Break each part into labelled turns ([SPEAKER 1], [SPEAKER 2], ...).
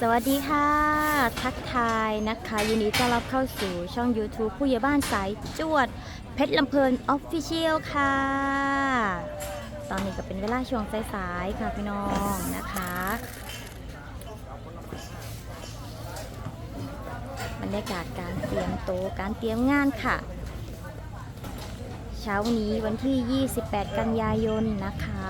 [SPEAKER 1] วัสดีค่ะทักทายนะคะยินดีต้อนรับเข้าสู่ช่อง YouTube ผู้ใหญ่บ้านสายจวดเพชรลำเพลินออฟฟิเชียลค่ะตอนนี้ก็เป็นเวลาช่วงสายๆค่ะพี่น้องนะคะบรรยากาศการเตรียมโต๊ะการเตรียมงานค่ะเช้านี้วันที่ 28 กันยายนนะคะ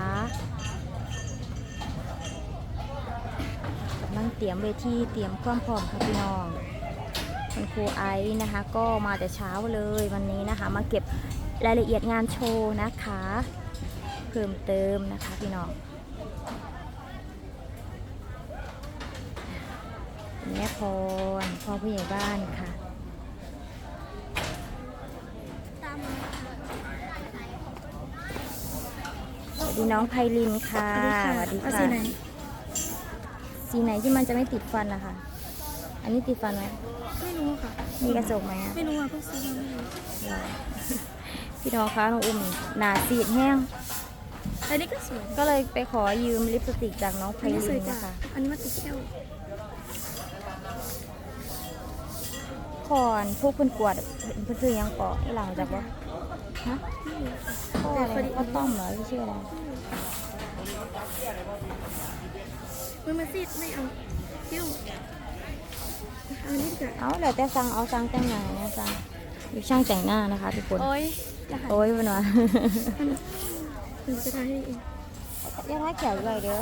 [SPEAKER 1] กำลังเตรียมเวทีเตรียมความพร้อมค่ะพี่น้องคุณครูไอซ์นะคะก็มาแต่เช้าเลยวันนี้นะคะมาเก็บรายละเอียดงานโชว์นะคะเพิ่มเติมนะคะพี่น้องแม่พรพ่อผู้ใหญ่บ้านค่ะสวัสดีน้องไพลินค่ะสวัสดีค่ะสีไหนที่มันจะไม่ติดฟันนะคะอันนี้ติดฟันไหม
[SPEAKER 2] ไม่รู้ค่ะ
[SPEAKER 1] มีกระจกไหม
[SPEAKER 2] ไม่รู้อ่ะเพิ่งซื้อมาไม่รู้
[SPEAKER 1] พี่น้องคะน้องอุ้มหนาสีดแห้ง
[SPEAKER 2] อันนี้ก็สวย
[SPEAKER 1] ก็เลยไปขอยืมลิปสติกจากน้องไพลินนะคะ
[SPEAKER 2] อันนี้มันติดแก้ว
[SPEAKER 1] ก่อนพวกเพื่อนกวดเพื่อนซื้อยังเกาะไอ้หลังจากว่าฮะพ่ออะไรพ่อต้อมเหรอที่ชื่ออะไร
[SPEAKER 2] มันซีดไม่เอาเที่ยวอันนี้จะ
[SPEAKER 1] เอาเดี๋ยวแต่สั่งเอาสั่งแต่งหน้าเนี่ยสั่งอยู่ช่างแต่งหน้านะคะทุกคน
[SPEAKER 2] โอ้ย
[SPEAKER 1] เป็นวะ
[SPEAKER 2] มันจะทำให้เอง
[SPEAKER 1] ยังไงแขวเลยเด้อ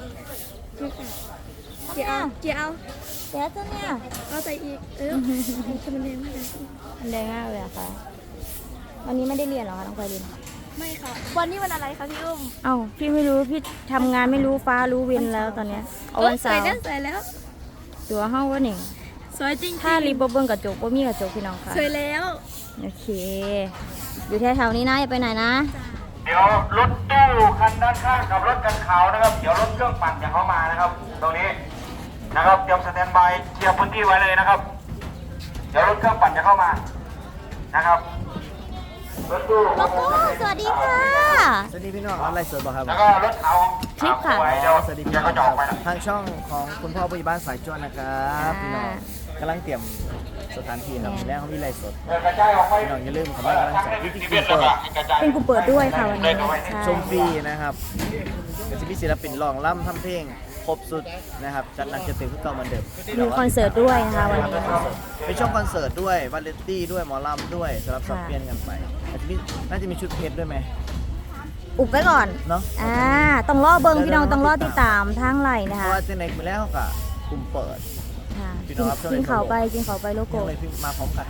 [SPEAKER 2] เกี่ยว
[SPEAKER 1] เดี๋ยวตัวเนี่ย
[SPEAKER 2] เอาใส่อีกจะมันแดงมากเลย
[SPEAKER 1] มันแดงมากเลยอะค่ะวันนี้ไม่ได้เรียนหรอคะน้องไพลิน
[SPEAKER 2] ไม่ค่ะวันนี้วันอะไรคะพี่อุ้ม
[SPEAKER 1] เอ้าพี่ไม่รู้พี่ทำงานไม่รู้ฟ้ารู้วินแล้วตอนเนี้ยวันเสาร์
[SPEAKER 2] ใส่แล้ว
[SPEAKER 1] ตัวห้องว่าหนึ่ง
[SPEAKER 2] สวยจริง
[SPEAKER 1] ถ้ารีบเบิ้งกระจกบ่มีกระจกพี่น้องค่ะ
[SPEAKER 2] สวยแล้ว
[SPEAKER 1] โอเคอยู่แถวๆนี้นะอย่าไปไหนนะ
[SPEAKER 3] เดี๋ยวรถตู้คันด้านข้างกับรถกันขาวนะครับเดี๋ยวรถเครื่องปั่นจะเข้ามานะครับตรงนี้นะครับเตรียมสแตนบายเคลียร์พื้นที่ไว้เลยนะครับเดี๋ยวรถเครื่องปั่นจะเข้ามานะครับรถตู้
[SPEAKER 1] โลโก้สวัสดีค่ะ
[SPEAKER 4] สวัสดีพี่น้องอะไรสดบอกครับ
[SPEAKER 3] แล้วก็รถขาว
[SPEAKER 1] คลิปค่ะ
[SPEAKER 4] สวัสดีพี่น้องทางช่องของคุณพ่อผู้ใหญ่บ้านสายจวนนะครับพี่น้องกำลังเตรียมสถานที่ครับแล้วเขามีไลฟ์สดพี่น้องอย่าลืมคำว่ากำลังใจที่เปิด
[SPEAKER 1] เป็นกูเปิดด้วยค่ะวันนี้
[SPEAKER 4] ชมฟรีนะครับก็จะมีศิลปินร้องร่ำทำเพลงครบสุดนะครับจัดหนักจะเต็มทุกเก่าเหมือนเดิม
[SPEAKER 1] มีคอนเสิร์ตด้วยนะคะวันนี้
[SPEAKER 4] เป็นช่วงคอนเสิร์ตด้วยวาเลนตี้ด้วยหมอลำด้วยสำหรับสับเปลี่ยนกันไปน่าจะมีชุดเพชรด้วยไหม
[SPEAKER 1] อุบไว้ก่อน
[SPEAKER 4] เนาะ
[SPEAKER 1] ต้องรอเบิ้งพี่น้องต้องรอติดตามทางไหลนะคะ
[SPEAKER 4] เพราะว่าเจนเน็กมาแล้วก็กลุ่มเปิด
[SPEAKER 1] กินเขาไปโลโก้
[SPEAKER 4] เลยมาพร้อมกัน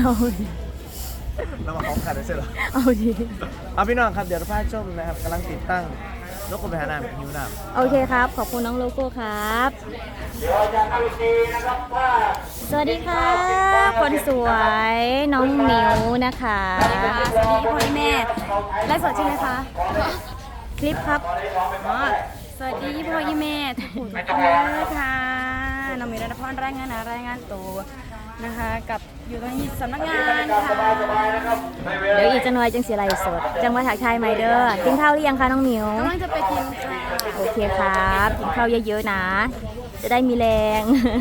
[SPEAKER 4] เรามาพร้อมกันได้ใช่หรอ
[SPEAKER 1] เอาดี
[SPEAKER 4] เอาพี่น้องครับเดี๋ยวเราพาชมนะครับกำลังติดตั้งโลโก้ไปหาน้ำหิวน้
[SPEAKER 1] ำโอเคครับขอบคุณน้องโลโก้ครับสวัสดีค่ะคนสวยน้องหมิวนะคะ
[SPEAKER 2] สวัสดีพ่อแม่ไลฟ์สดใช่ไหมคะ
[SPEAKER 1] คลิปครับ
[SPEAKER 2] สวัสดีพ่อแม่ทุกคนเลยค่ะน้องหมิวรัตพรรายงานตัวนะคะกับอยู่ตรงนี้สำนักงานค่ะ
[SPEAKER 1] เดี๋ยวอีกจะหน่อยจังสีไรสดจังหวัดถักไทยไหมเด้อกินข้าวหรือยังคะน้องหมิว
[SPEAKER 2] กำลังจะไปกินค่ะ
[SPEAKER 1] โอเคครับกินข้าวเยอะๆนะจะได้มีแรง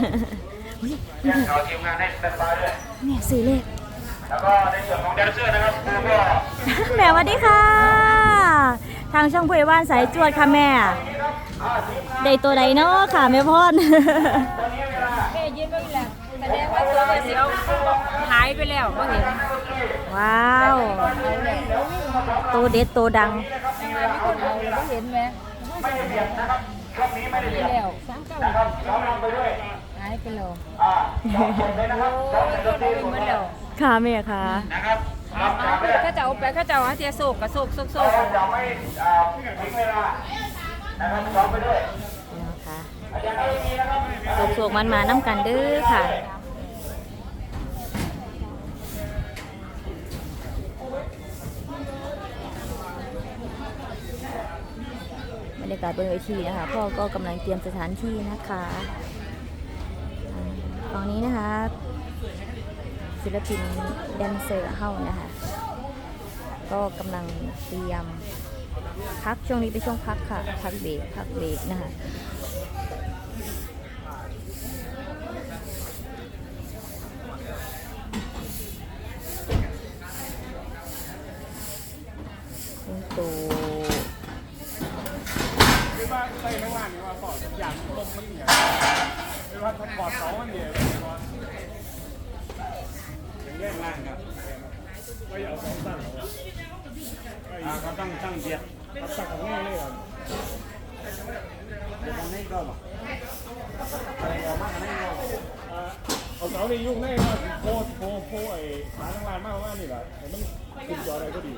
[SPEAKER 1] เนี่ยซื้อเลข
[SPEAKER 3] แล้วก็ในส่วนของแดนเซอร์นะครับครูก็
[SPEAKER 1] แม่สวัสดีค่ะทางช่องผู้ใหญ่บ้านสายจวดค่ะแม่ได้ตัวใดเนาะค่ะแม่พ่อน
[SPEAKER 2] ยืนก็อีกแล้วแสดงว่าตัวเสียวหายไปแล้วก็เห็น
[SPEAKER 1] ว้าวตัวเด็ดตัวดัง
[SPEAKER 2] ก็เห็นไหม
[SPEAKER 3] ช่วงนี้ไม่ได้เรียนนะครับน้องนำไปด้วย
[SPEAKER 2] หายไปแล้ว
[SPEAKER 1] ค่ะแม่ค่ะ
[SPEAKER 3] นะครับ
[SPEAKER 2] ข้าเจ้าไปข้าเจ้าเสียโศกกับโศก
[SPEAKER 3] จะไม่ทิ้งเวลานะครับน้องไปด้วย
[SPEAKER 1] นะคะโศกมันมาน้ำกันเด้อค่ะบรรยากาศบนเวทีนะคะพ่อก็กำลังเตรียมสถานที่นะคะตอนนี้นะคะศิลปินแดนเซอร์เข้านะคะก็กำลังเตรียมพักช่วงนี้เป็นช่วงพักค่ะพักเบรกนะคะ
[SPEAKER 5] เขาตั้งเบียดตั้งของง่ายเลยเอาเสาในยุ่งแน่ว่าโพไอ้ขาทั้งลานมากนี่แหละมันคุมจออะไรก็ดี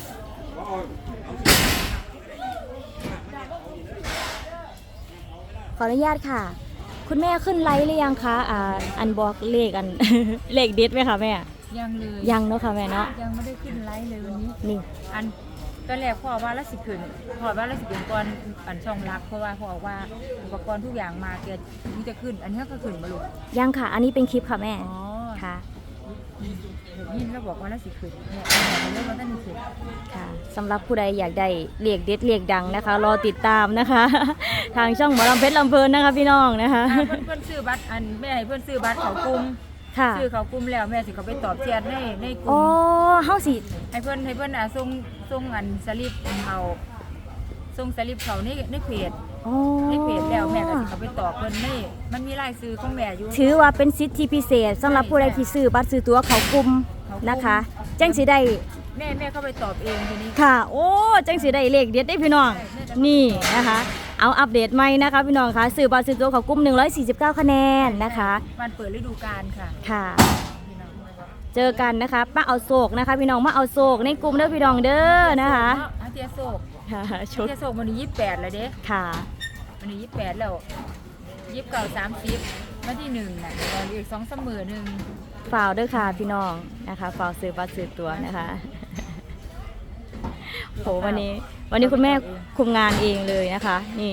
[SPEAKER 1] ขออนุญาตค่ะ คุณแม่ขึ้นไลฟ์หรือยังคะอันบอกเลขอัน เลขเด็ดไหมคะแม่
[SPEAKER 2] ยังเลย
[SPEAKER 1] ยังเนาะค่ะแม่เนาะ
[SPEAKER 2] ยังไม่ได้ขึ้นไลฟ์เลยวันนี้
[SPEAKER 1] นี่
[SPEAKER 2] อันตอนแรกพ่อว่าละสิขึ้นพ่อว่าละสิขึ้นก่อนอันช่องรักเพราะว่าพ่อว่าอุปกรณ์ทุกอย่างมาเกิดนี่จะขึ้น อันนี้ก็ขึ้นมาลูก
[SPEAKER 1] ยังค่ะ อันนี้เป็นคลิปค่ะแม่
[SPEAKER 2] อ๋อ
[SPEAKER 1] ค่ะ
[SPEAKER 2] เดี๋ยวยินแล้วบอกว่าละสิขึ้นเนี่ยเรื่องมันต้องขึ้น
[SPEAKER 1] ค่ะสำหรับผู้ใดอยากได้เลขเด็ดเลขดังนะคะ รอติดตามนะคะ ทางช่องหมอลำเพชรลำเพลินนะคะพี่น้องนะคะ
[SPEAKER 2] เพื่อนซื้อบัตรอันแม่ให้เพื่อนซื้อบัตรเขากลุ่ม
[SPEAKER 1] ค่ะ
[SPEAKER 2] ซื้อเขากลุ่มแล้วแม่สิเขาไปตอบแชทในกลุ่
[SPEAKER 1] อ๋อ
[SPEAKER 2] ม
[SPEAKER 1] เฮาสิ
[SPEAKER 2] ให้เพื่อนส่งอันสลิปเขาส่งสลิปเขาในเพจ
[SPEAKER 1] อ๋อ
[SPEAKER 2] ในเพจแล้วแม่ก็สิเขาไปตอบเพิ่นนี่มันมีรายซื้อของแม่อยู่
[SPEAKER 1] ถือว่าเป็นสิทธิพิเศษสำหรับผู้ใดที่ซื้อบัตรซื้อตั๋วเขากลุ่มนะคะจังสิได้
[SPEAKER 2] แม่เข้าไปตอบเองทีนี้
[SPEAKER 1] ค่ะ โอ้จังสิได้เลขเด็ดได้พี่น้อง นี่นะคะ เอาอัปเดตใหม่นะคะพี่น้องคะซื้อบัตรซื้อตั๋วเขากลุ่ม149คะแนนนะคะ
[SPEAKER 2] วันเปิดฤดูกาลค่ะ
[SPEAKER 1] ค่ะ
[SPEAKER 2] พี่น้อง
[SPEAKER 1] เจอกันนะคะมาเอาโศกนะคะพี่น้องมาเอาโศกในกลุ่มเด้อพี่น้องเด้อนะคะ
[SPEAKER 2] อาเทียโศก
[SPEAKER 1] ค่ะช
[SPEAKER 2] อา
[SPEAKER 1] ด
[SPEAKER 2] เทียโศกวันนี้28แล้วเด้
[SPEAKER 1] ค่ะ
[SPEAKER 2] วันนี้28แล้ว29 30วันที่1น่ะรออีก2-3 มื้อนึง
[SPEAKER 1] ฝ่าวเด้อค่ะพี่น้องนะคะฝ่าวซื้อบัตรซื้อตั๋วนะคะโหวันนี้คุณแม่คุมงานเองเลยนะคะ นี่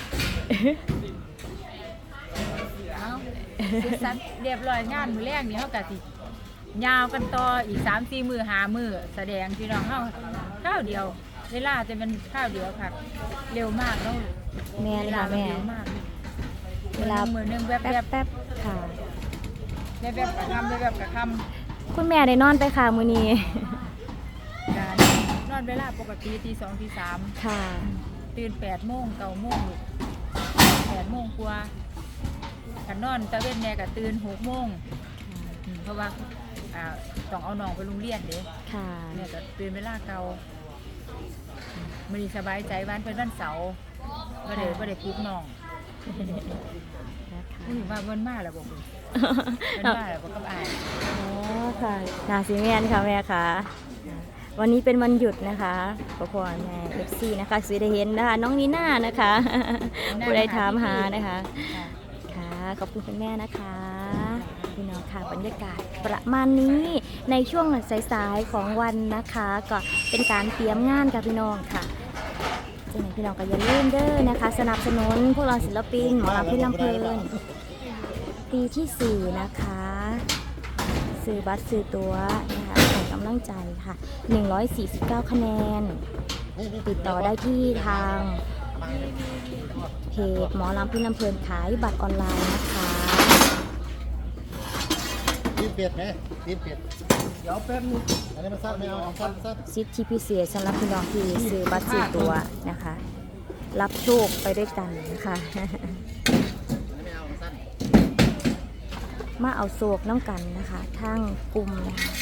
[SPEAKER 2] เอ้าเสร็จสันเรียบร้อยงานมื้อแรกนี่เฮาก็สิยาวกันต่ออีก 3-4 มื้อ5มื้อแสดงพี่น้องเฮาข้าวเดียว เวลาจะเป็นข้าวเดียวค่ะ เร็วมากเนาะ
[SPEAKER 1] แม่เลยค่ะแม่
[SPEAKER 2] เร็วมาก
[SPEAKER 1] เวลา
[SPEAKER 2] มือนึงแวบ
[SPEAKER 1] แป๊บแป๊บค่ะ
[SPEAKER 2] ๆแวบๆกะคำแวบๆกะคำ
[SPEAKER 1] คุณแม่ได้นอนไปค่ะมื้อนี้
[SPEAKER 2] การนอนเวลาปกติตี 2 ตี 3
[SPEAKER 1] ค่ะ
[SPEAKER 2] ตื่น8 โมง 9 โมงลูก8 โมงกว่ากันนอนตะเว้นแน่ก็ตื่น 6 โมงเพราะว่าต้องเอาน้องไปโรงเรียนเด้
[SPEAKER 1] ค่ะ
[SPEAKER 2] เนี่ยก็ตื่นเวลาเก่ามื้อนี้สบายใจวันเป็นวันเสาร์บ่ได้ปลุกน้อง
[SPEAKER 1] นะคะ
[SPEAKER 2] มื้อนี้ว่าเพิ่นมาแล้วบ่เพิ่นมาแล้วบ่กับอ้าย
[SPEAKER 1] อ๋อค่ะนาซีแมนค่ะแม่ค่ะวันนี้เป็นวันหยุดนะคะพ่อพ่อแม่เอฟซีนะคะซื้อได้เห็นนะคะน้องนีน่านะคะผู้ใดถามหานะคะค่ะขอบคุณคุณแม่นะคะพี่น้องค่ะบรรยากาศประมาณนี้ในช่วงสายๆของวันนะคะ ก็เป็นการเตรียมงานกับพี่น้องค่ะจังไหนพี่น้องก็อย่าลืมเด้อนะคะ สนับสนุนพวกเราศิลปินหมอลำเพชรลำเพลินปีที่ 4 นะคะซื้อบัตรซื้อตั๋วนะคะให้กำลังใจค่ะ149คะแนนติดต่อได้ที่ทางเพจหมอลำเพชรลำเพลินขายบัตรออนไลน์นะคะ
[SPEAKER 5] ตีนเป็ดไหมตีนเป็ดเดี๋ยวแป๊บนึงอันนี้มันสั้นไม่เอาสั้น
[SPEAKER 1] สิทธิพิเศษสำหรับพี่น้องที่ซื้อบัตรซื้อตั๋วนะคะ รับโชคไปด้วยกันนะคะ
[SPEAKER 5] ไม่เอาสั้น
[SPEAKER 1] มาเอาโศกน้ำกันนะคะทางกลุ่มนะคะ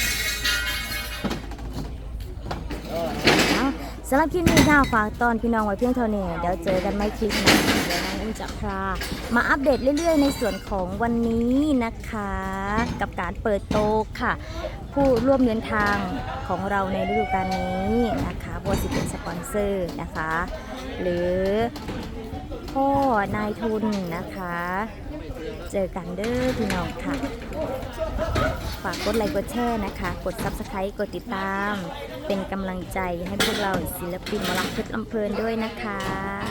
[SPEAKER 1] เอาสำหรับคลิปนี้ค่ะฝากตอนพี่น้องไว้เพียงเท่านี้เดี๋ยวเจอกันไม่คลิปหนะเดี๋ยวน้องอุ้มจะพามาอัปเดตเรื่อยๆในส่วนของวันนี้นะคะ กับการเปิดโต๊ะค่ะ ผู้ร่วมเดินทางของเราในฤดูกาลนี้นะคะบัวสิเป็นสปอนเซอร์นะคะ หรือพ่อนายทุนนะคะ เจอกันเด้อพี่น้องค่ะ ฝากกดไลค์กดแชร์นะคะ กด Subscribe กดติดตาม เป็นกำลังใจให้พวกเราศิลปินหมอลำเพชรลำเพลินด้วยนะคะ